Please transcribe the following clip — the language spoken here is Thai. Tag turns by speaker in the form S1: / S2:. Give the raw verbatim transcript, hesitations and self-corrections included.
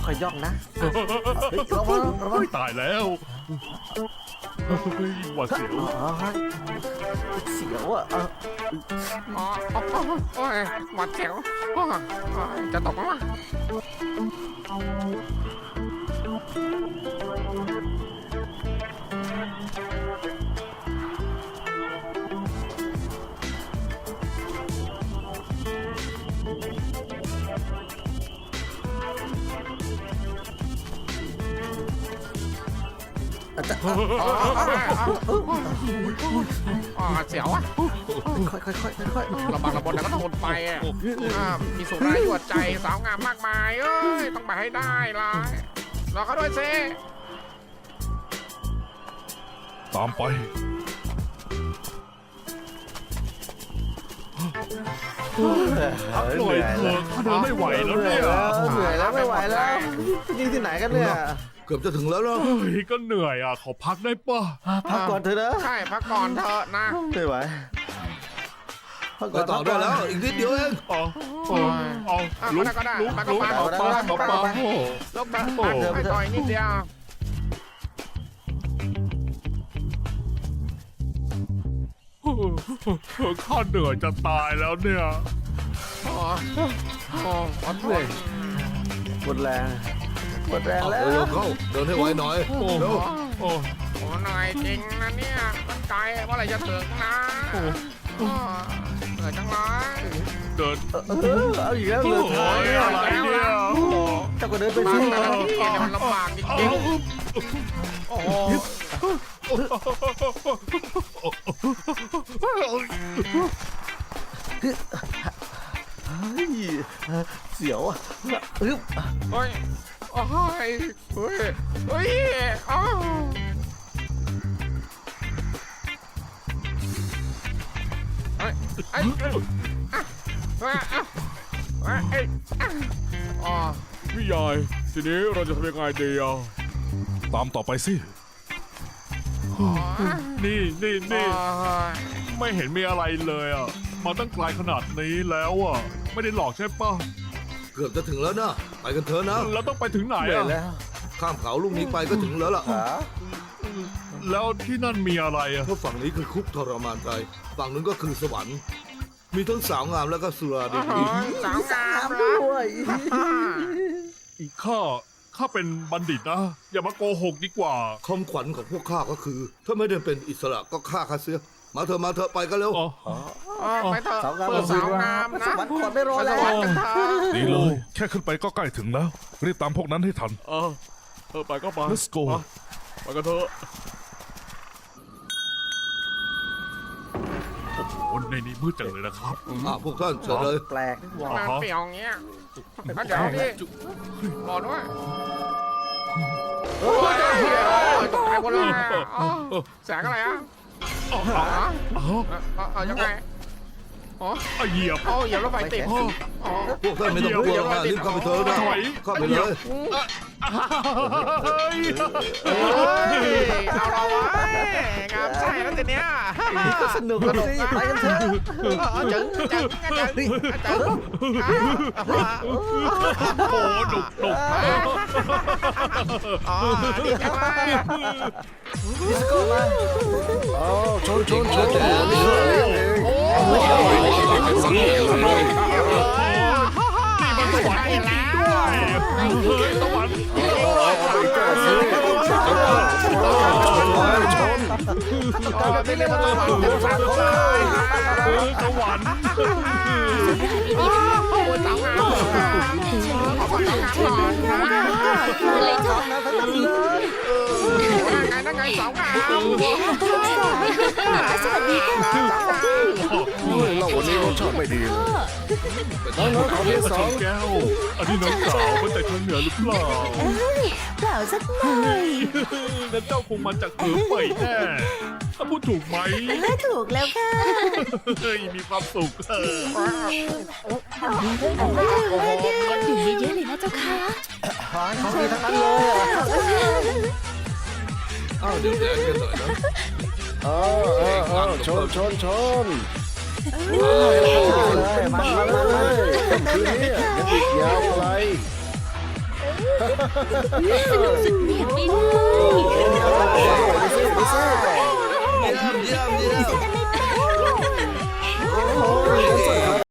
S1: ค่อยๆย่องนะระวังระวัง
S2: ตายแล้วหวาดเสียว
S1: เสียวอ่ะ
S3: อ๋อโอ้ยหวัดเสียวจะตกไหมวะอ๋อเสียวอ่ะ
S1: ค่อยๆค่อยๆค่อยๆ
S3: ระบังระบนแล้วก็ทนไปอ่ะมีสุรายวดใจสาวงามมากมายเอ้ยต้องไปให้ได้ล่ะรอเขาด้วยเซ่
S2: ตามไปพักหน่อยเถอะข้าเดินไม่ไหวแล้วเนี่ย
S1: เหนื่อยแล้วไม่ไหวแล้วนี่ที่ไหนกันเนี่ย
S4: เกือบจะถึงแล้วเนาะ
S2: เฮ้ยก็เหนื่อยอ่ะขอพักได้ป่ะ
S1: พักก่อนเถอะนะ
S3: ใช่พักก่อนเถอะนะ
S1: ไม่ไหวพัก
S4: ไป
S1: ก่อน
S4: ต่อได้แล้วอีกนิดเดียวเอง
S2: อ๋อเอาลุกลุกลุกเอาปลาเอาปลาโอ้
S3: ลบแบบให้ต่อยนิดเดียว
S2: ข้าเหนื่อยจะตายแล้วเนี่ย
S3: อ๋ออ๋อขอโทษ
S1: หมดแรงหมดแรงแล้ว
S4: เร็วเข้าเดินให้ไวหน่อยเร็ว
S2: โอ้
S3: โอ้หน่อยจริงนะเนี่ยตั้งใจว่าอะไรจะถึงนะเหนื่อยจังเลย
S2: เดิน
S1: เออเอาอีกแล้วเรือท้ายเนี่ย
S2: อะไรเนี่ย
S1: เจ้าก็เดินไป
S3: บา
S1: สิ
S3: งแต่ละที่เนี่ยมันลำบากจริงๆโอ้โห
S1: เฮ้ยเสียวอ่ะอึ๊บ
S3: เฮ้ยโอ้ยเฮ้ยเฮ้ยอ้าวเฮ้ยไอ้อ่ะอ่ะอ่ะไอ้อ๋อ
S2: พี่ใหญ่ทีนี้เราจะทำยังไงดีอ่ะตามต่อไปสิ นี่นี่นี่ไม่เห็นมีอะไรเลยอ่ะมาตั้งไกลขนาดนี้แล้วอ่ะไม่ได้หลอกใช่ป่ะ
S4: เกือบจะถึงแล้วนะไปกันเถอะนะ
S2: แล้วต้องไปถึงไหน
S1: เหนื่อย
S2: อ่ะ
S1: แล้ว
S4: ข้ามเขาลูกนี้ไปก็ถึงแล้วล่ะ
S1: ขา
S2: แล้วที่นั่นมีอะไรอ่ะ
S4: เพราะฝั่งนี้คือคุกทรมานใจฝั่งนู้นก็คือสวรรค์ มีทั้งสาวงามแล้วก็สุราดี
S3: สาวงาม
S1: ด้วย
S2: อีกข้าข้าเป็นบัณฑิตนะอย่ามาโกหกดีกว่า
S4: คำขวัญของพวกข้าก็คือ ถ้าไม่ได้เป็นอิสระก็ฆ่าข้าเสียมาเถอะมาเถอะไปกันเร็ว
S2: อ๋อ
S3: ไปเถอะ
S1: สาวงาม
S3: เปิดสาวงามนะ
S1: สวรรค์ขอดไม่รอ
S3: ไปส
S1: แล้ว
S3: วรรค์กันเถอะ
S5: ดีเลย แค่ขึ้นไปก็ใกล้ถึงแล้ว รีบตามพวกนั้นให้ทัน
S2: เออเออไปก็ไป
S5: Let's go
S2: ไปกันเถอะโอ้โหในนี้มืดจังเลยนะครับ
S4: อ่ะพวกท่านเชิญเลย
S1: แปลก
S3: มันเปรี้ยวอย่างเงี้ยงั้นเดี๋ยวพี่รอด้วยโอ้ยตกใจหมดเลยแสงอะไรอ่ะ
S2: อ๋อ
S3: อ๋อ
S2: อ๋อ
S3: เออยังไงอ๋อ
S2: เอาเหยียบ
S3: อ๋ออย่ารถไฟติดอ๋อ
S4: พวกท่านไม่ต้องกลัวนะรีบเข้าไปเถอะนะ
S2: ถอย
S4: เข้าไปเลย
S2: เฮ้ย
S3: เฮ้ยเอาเราไว้งามใช่แล้วทีเนี้ย
S1: สนุกกันสิไปกันเถอะ
S3: จึงจึงจึงจึง
S2: โอ้โหหนุกหนุก
S3: อ๋อดีจังเลย
S1: ดิสโก้มาโอ้ชนชนชน
S3: โอ้ย
S2: นี่มันสวรรค์จริงๆด้วยเฮ้ยสวรรค์
S3: แบบนี้เรียกว่าสวรรค์เป็นสวรรค์ของใคร
S2: เออสวรรค์
S3: โอ้ยสาวงามขอก่อนสาวงามก่อนนะ
S6: อะไรเจ้า
S1: นะทั้งนั้นเลย
S3: ไงนั่นไงสาวงาม
S6: สวัสดีค่ะ
S1: เราวันนี้รสชาติไม่ดีเลยน้องๆขอที่สอง
S2: แก้วอันนี้น้องสาวมาจากทางเหนือหรือเปล่า
S6: เอ้ยเปล่าสักหน่อย
S2: นั่นเจ้าคงมาจากเหนือเป่ยแน่ถ้าพูดถูกไหม
S6: ถ้าถูกแล้วค่ะ
S2: เฮ้ยมีความสุขเออ
S6: โอ้โหดื่มเยอะๆเลยนะเจ้าค่ะ
S1: ของดีทั้งนั้นเลยอ่ะ
S4: อ้าวเดี๋ยวแดงกันหน่อยนะ
S1: เออเออเออชนชนชนเลยมันมาเลยคืนนี้ยังอีกยาวไกล
S6: สนุกสุดเหวี่ยงไปเลย